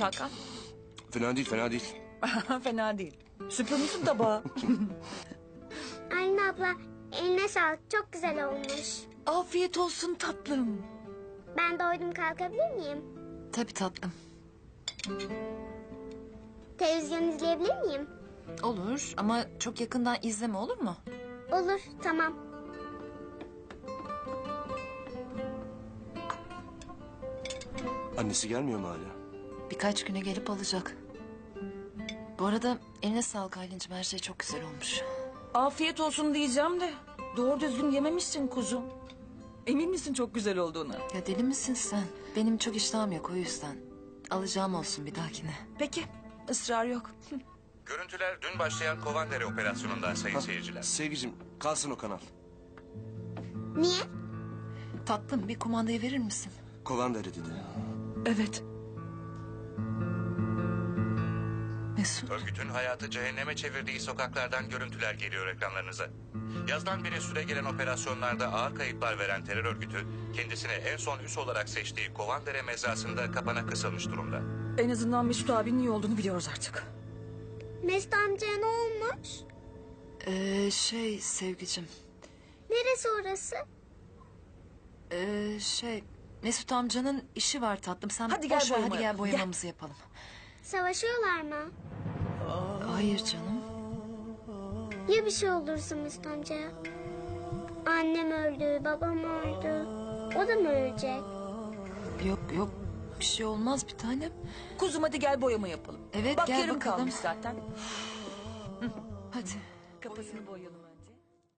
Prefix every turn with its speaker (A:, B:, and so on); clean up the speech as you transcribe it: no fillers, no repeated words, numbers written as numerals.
A: olmuş Hakan?
B: Fena değil, fena değil.
A: Fena değil. Süpürmüşsün tabağı.
C: Aylin abla eline sağlık, çok güzel olmuş.
A: Afiyet olsun tatlım.
C: Ben doydum, kalkabilir miyim?
D: Tabii tatlım.
C: Televizyon izleyebilir miyim?
D: Olur ama çok yakından izleme, olur mu?
C: Olur, tamam.
B: Annesi gelmiyor mu hala?
D: Birkaç güne gelip alacak. Bu arada eline sağlık Aylin'cim, her şey çok güzel olmuş.
A: Afiyet olsun diyeceğim de doğru düzgün yememişsin kuzum. Emin misin çok güzel olduğuna?
D: Ya deli misin sen? Benim çok iştahım yok, o yüzden. Alacağım olsun bir dahakine.
A: Peki, ısrar yok.
E: Görüntüler dün başlayan Kovandere operasyonundan sayın seyirciler.
B: Sevgicim, kalsın o kanal.
C: Niye?
D: Tatlım, bir kumandayı verir misin?
B: Kovandere dedi.
A: Evet.
D: Mesut.
E: Örgütün hayatı cehenneme çevirdiği sokaklardan görüntüler geliyor ekranlarınıza. Yazdan beri süregelen operasyonlarda ağır kayıplar veren terör örgütü, kendisine en son üs olarak seçtiği Kovandere mezrasında kapana kısılmış durumda.
A: En azından Mesut abinin iyi olduğunu biliyoruz artık.
C: Mesut amcaya ne olmuş?
D: Sevgicim.
C: Neresi orası?
D: Mesut amcanın işi var tatlım. Sen
A: Hadi gel
D: boş ver,
A: boyama
D: hadi gel
A: yapalım, gel.
D: boyamamızı yapalım.
C: Savaşıyorlar mı?
D: Hayır canım.
C: Ya bir şey olursa Mesut amcaya? Annem öldü, babam öldü. O da mı ölecek?
D: Yok bir şey olmaz bir tanem.
A: Kuzum hadi gel boyama yapalım.
D: Evet,
A: Bak
D: gel
A: yarım
D: bakalım.
A: kalmış zaten.
D: Hadi.
A: Kafasını boyayalım.